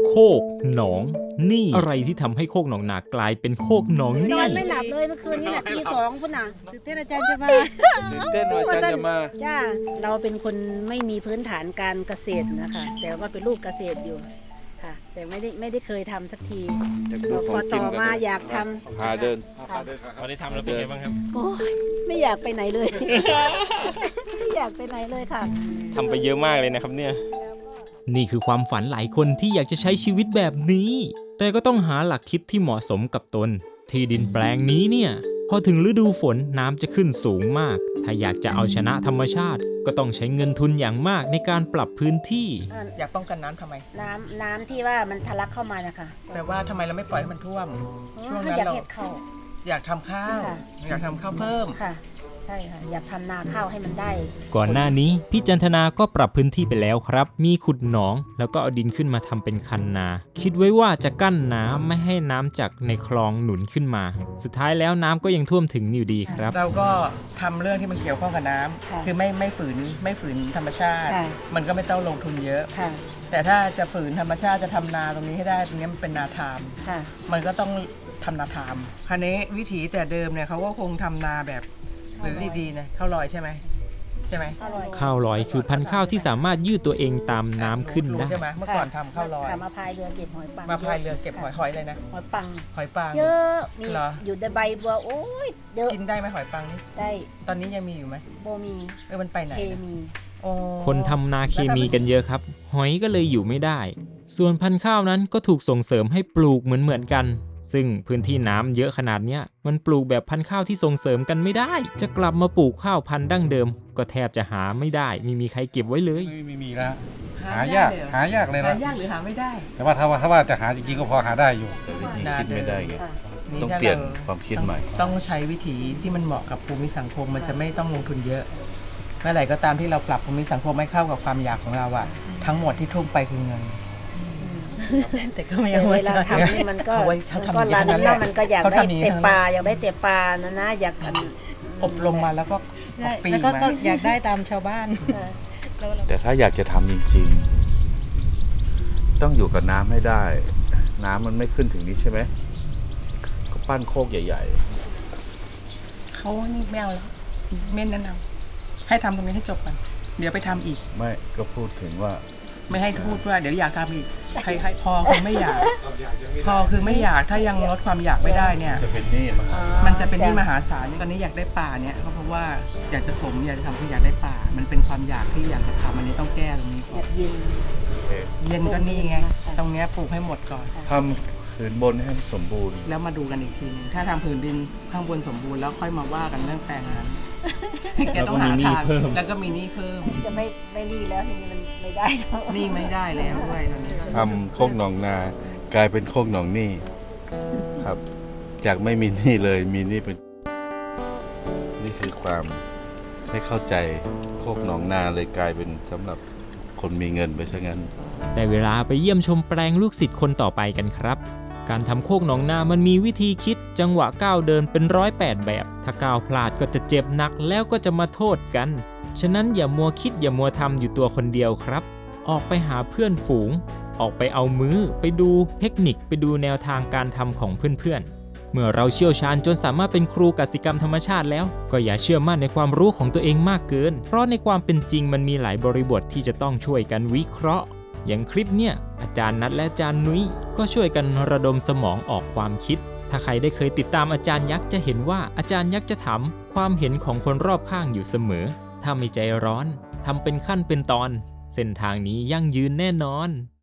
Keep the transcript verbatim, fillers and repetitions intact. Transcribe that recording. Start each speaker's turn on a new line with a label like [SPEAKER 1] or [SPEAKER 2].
[SPEAKER 1] โคกหนองนี่อะไรที่ทำให้โคกหนองนากลายเป็นโคกหนอง
[SPEAKER 2] น
[SPEAKER 1] นี่
[SPEAKER 2] อนไม่หลับเลยเมื่อคืนนี้น่ะตีสองพุ่นน่ะ
[SPEAKER 3] ตื่นเต้นอาจารย์จะมา
[SPEAKER 4] ตื่นเต้นว่าอาจารย์จะมา
[SPEAKER 2] จ้าเราเป็นคนไม่มีพื้นฐานการเกษตรนะคะ แต่ว่าเป็นลูกเกษตรอยู่ค่ะ แต่ไม่ได้ไม่ได้เคยทำสักที
[SPEAKER 4] อยากดู
[SPEAKER 2] พ
[SPEAKER 4] ขอ
[SPEAKER 2] อง
[SPEAKER 4] กิ
[SPEAKER 2] ต่
[SPEAKER 4] น
[SPEAKER 2] อ
[SPEAKER 4] กัน
[SPEAKER 2] มา
[SPEAKER 4] เลย
[SPEAKER 2] อยากทำ
[SPEAKER 4] พาเดิน
[SPEAKER 2] ค่ะ
[SPEAKER 1] พอได้ทำแล้วเป็นไงบ้างครับ
[SPEAKER 2] โอ้ยไม่อยากไปไหนเลย ไม่อยากไปไหนเลยค่ะ
[SPEAKER 1] ทำไปเยอะมากเลยนะครับเนี่ยนี่คือความฝันหลายคนที่อยากจะใช้ชีวิตแบบนี้ แต่ก็ต้องหาหลักคิดที่เหมาะสมกับตน ที่ดินแปลงนี้เนี่ยพอถึงฤดูฝนน้ำจะขึ้นสูงมาก ถ้าอยากจะเอาชนะธรรมชาติ ก็ต้องใช้เงินทุนอย่างมากในการปรับพื้นที่
[SPEAKER 3] อยากป้องกันน้ำทำไม
[SPEAKER 2] น้ำน้ำที่ว่ามันทะลักเข้ามานะคะ
[SPEAKER 3] แต่ว่าทำไมเราไม่ปล่อยให้มันท่วม ช่วงนั้น
[SPEAKER 2] อยาก
[SPEAKER 3] เรา
[SPEAKER 2] เห็ดข้าว
[SPEAKER 3] อยากทำข้าว
[SPEAKER 2] ค่ะ
[SPEAKER 3] อยากทำข้าวเพิ่ม
[SPEAKER 2] ค่ะ ใช่ค่ะ อยากทำนาข้าวให้มันได้
[SPEAKER 1] ก่อนหน้านี้พี่จันทนาก็ปรับพื้นที่ไปแล้วครับ มีขุดหนองแล้วก็เอาดินขึ้นมาทำเป็นคันนา คิดไว้ว่าจะกั้นน้ำไม่ให้น้ำจากในคลองหนุนขึ้นมา สุดท้ายแล้วน้ำก็ยังท่วมถึงอยู่ดีครับ
[SPEAKER 3] เราก็ทำเรื่องที่มันเกี่ยวข้องกับน้ำ
[SPEAKER 2] ค่ะ
[SPEAKER 3] คือไม่ไม่ฝืนไม่ฝืนธรรมชาติ
[SPEAKER 2] ค่ะ
[SPEAKER 3] มันก็ไม่ต้องลงทุนเยอะ
[SPEAKER 2] ค่ะ
[SPEAKER 3] แต่ถ้าจะฝืนธรรมชาติจะทำนาตรงนี้ให้ได้ตรงนี้มันเป็นนาทาม
[SPEAKER 2] ค่ะ
[SPEAKER 3] มันก็ต้องทำนาทามคราวนี้วิถีแต่เดิมเนี่ยเขาก็คงทำนาแบบหรือดีๆนะข้าวลอยใช่ไหมใช่ไหม
[SPEAKER 2] อร่อย
[SPEAKER 1] ข้าวลอยคือพันธุ์ข้าวที่สามารถยืดตัวเองตามน้ำขึ้นได้
[SPEAKER 3] ใช่ไหมเมื่อก่อนทำข้าวลอย
[SPEAKER 2] ค่ะมาพายเรือเก็บหอยปัง
[SPEAKER 3] มาพายเรือเก็บหอยหอยเลยนะ
[SPEAKER 2] หอยปัง
[SPEAKER 3] หอยปัง
[SPEAKER 2] เยอะมี
[SPEAKER 3] เหรอ
[SPEAKER 2] อยู่ในใบบัวโอ้ยเยอะ
[SPEAKER 3] กินได้ไหมหอยปังนี่
[SPEAKER 2] ได้
[SPEAKER 3] ตอนนี้ยังมีอยู่ไหม
[SPEAKER 2] โบมี
[SPEAKER 3] เออมันไปไหน
[SPEAKER 2] เคมี
[SPEAKER 3] โอ้
[SPEAKER 1] คนทำนาเคมีกันเยอะครับ หอยก็เลยอยู่ไม่ได้ ส่วนพันธุ์ข้าวนั้นก็ถูกส่งเสริมให้ปลูกเหมือนเหมือนๆกัน ซึ่งพื้นที่น้ำเยอะขนาดเนี้ยมันปลูกแบบพันธุ์ข้าวที่ส่งเสริมกันไม่ได้ จะกลับมาปลูกข้าวพันธุ์ดั้งเดิม ก็แทบจะหาไม่ได้ไม่มีใครเก็บไว้เลย
[SPEAKER 4] ไม่ไม่มีแล้ว หายาก หายากเลย
[SPEAKER 3] หา
[SPEAKER 4] นะ
[SPEAKER 3] ยากหรือหาไม่ได้
[SPEAKER 4] แต่ว่าถ้าว่าถ้าว่าจะหาจริงๆก็พอหาได้อยู่
[SPEAKER 5] แต่วิธีคิดไม่ได้ไง
[SPEAKER 2] ค่ะ
[SPEAKER 5] ต้องเปลี่ยนความคิดใหม่
[SPEAKER 3] ต้องใช้วิธีที่มันเหมาะกับภูมิสังคมมันจะไม่ต้องลงทุนเยอะเมื่อไหร่ก็ตามที่เราปรับภูมิสังคมให้เข้ากับความอยากของเราอะทั้งหมดที่ทุ่มไปคือเงิน แต่ก็ไม่
[SPEAKER 2] แต่
[SPEAKER 3] เอา
[SPEAKER 2] เว
[SPEAKER 3] ไว้
[SPEAKER 2] ลา
[SPEAKER 3] ใช้
[SPEAKER 2] ทำนี่มันก็
[SPEAKER 3] เอาไว้
[SPEAKER 2] มัน
[SPEAKER 3] ทำ
[SPEAKER 2] ก็
[SPEAKER 3] อย่าง
[SPEAKER 2] รัน
[SPEAKER 3] นั้นแห
[SPEAKER 2] แล้ว
[SPEAKER 3] ละ
[SPEAKER 2] มันก็อยาก
[SPEAKER 3] เขา
[SPEAKER 2] ได้
[SPEAKER 3] ทำอย่างนั้น
[SPEAKER 2] เตะปลาอยากได้เตะปลานะนะอยากอัน
[SPEAKER 3] อบรมมาแล้วก็ปี
[SPEAKER 6] แล้วก็
[SPEAKER 3] มา
[SPEAKER 6] ก็อยากได้ตามชาวบ้าน
[SPEAKER 2] เออ
[SPEAKER 5] แต่ถ้าอยากจะทำจริงๆ ต้องอยู่กับน้ำให้ได้ น้ำมันไม่ขึ้นถึงนี้ใช่ไหมก็ปั้นโคกใหญ่
[SPEAKER 3] เขานี่ไม่เอาแล้วเม่นนั่นเอาให้ทำตรงนี้ให้จบก่อนเดี๋ยวไปทำอีก
[SPEAKER 5] ๆ ไม่ก็พูดถึงว่า
[SPEAKER 3] ไม่ให้พูดว่าเดี๋ยวอยากทำอีกใครๆพอคือไม่อยาก พอคือไม่อยากถ้ายังลดความอยากไม่ได้เนี่ย
[SPEAKER 5] จะเป็นหนี้มา
[SPEAKER 3] มันจะเป็นที่มหาศาลตอนนี้อยากได้ป่าเนี่ยก็เพราะว่าอยากจะถมอยากจะทำคืออยากได้ป่า มันเป็นความอยากที่อยากจะทำอันนี้ต้องแก้ตรงนี้
[SPEAKER 2] อยากยิน
[SPEAKER 3] เย็นก็นี่ไงตรงเนี้ยปลูกให้หมดก่อน
[SPEAKER 5] ทำผืนบนให้มันสมบูรณ์
[SPEAKER 3] แล้วมาดูกันอีกทีหนึงถ้าทำผืนดินข้างบนสมบูรณ์แล้วค่อยมาว่ากันเรื่องแปลงนั้นแกต้องหาทางแล้วก็มีหนี้เพิ่ม
[SPEAKER 2] จะไม่ไม่รีแล้วทีนี้มันไม่ได้แล้ว
[SPEAKER 3] หนี้ไม่ได้แล้วด้วยตอนนี้ก็
[SPEAKER 5] ทำโคกหนองนากลายเป็นโคกหนองหนี้ครับ จากไม่มีหนี้เลยมีหนี้เป็น นี่คือความให้เข้าใจโคกหนองนาเลยกลายเป็นสำหรับคนมีเงินไปซะงั้น
[SPEAKER 1] ได้เวลาไปเยี่ยมชมแปลงลูกศิษย์คนต่อไปกันครับ การทำโคกหนองนามันมีวิธีคิดจังหวะก้าวเดินเป็นร้อยแปดแบบ ถ้าก้าวพลาดก็จะเจ็บหนักแล้วก็จะมาโทษกัน ฉะนั้นอย่ามัวคิดอย่ามัวทำอยู่ตัวคนเดียวครับ ออกไปหาเพื่อนฝูง ออกไปเอามือไปดูเทคนิคไปดูแนวทางการทำของเพื่อนๆ เมื่อเราเชี่ยวชาญจนสามารถเป็นครูกสิกรรมธรรมชาติแล้ว ก็อย่าเชื่อมั่นในความรู้ของตัวเองมากเกิน เพราะในความเป็นจริงมันมีหลายบริบทที่จะต้องช่วยกันวิเคราะห์ อย่างคลิปเนี่ยอาจารย์นัทและอาจารย์นุ้ยก็ช่วยกันระดมสมองออกความคิด ถ้าใครได้เคยติดตามอาจารย์ยักษ์จะเห็นว่าอาจารย์ยักษ์จะถามความเห็นของคนรอบข้างอยู่เสมอ ถ้าไม่ใจร้อนทำเป็นขั้นเป็นตอน เส้นทางนี้ยั่งยืนแน่นอน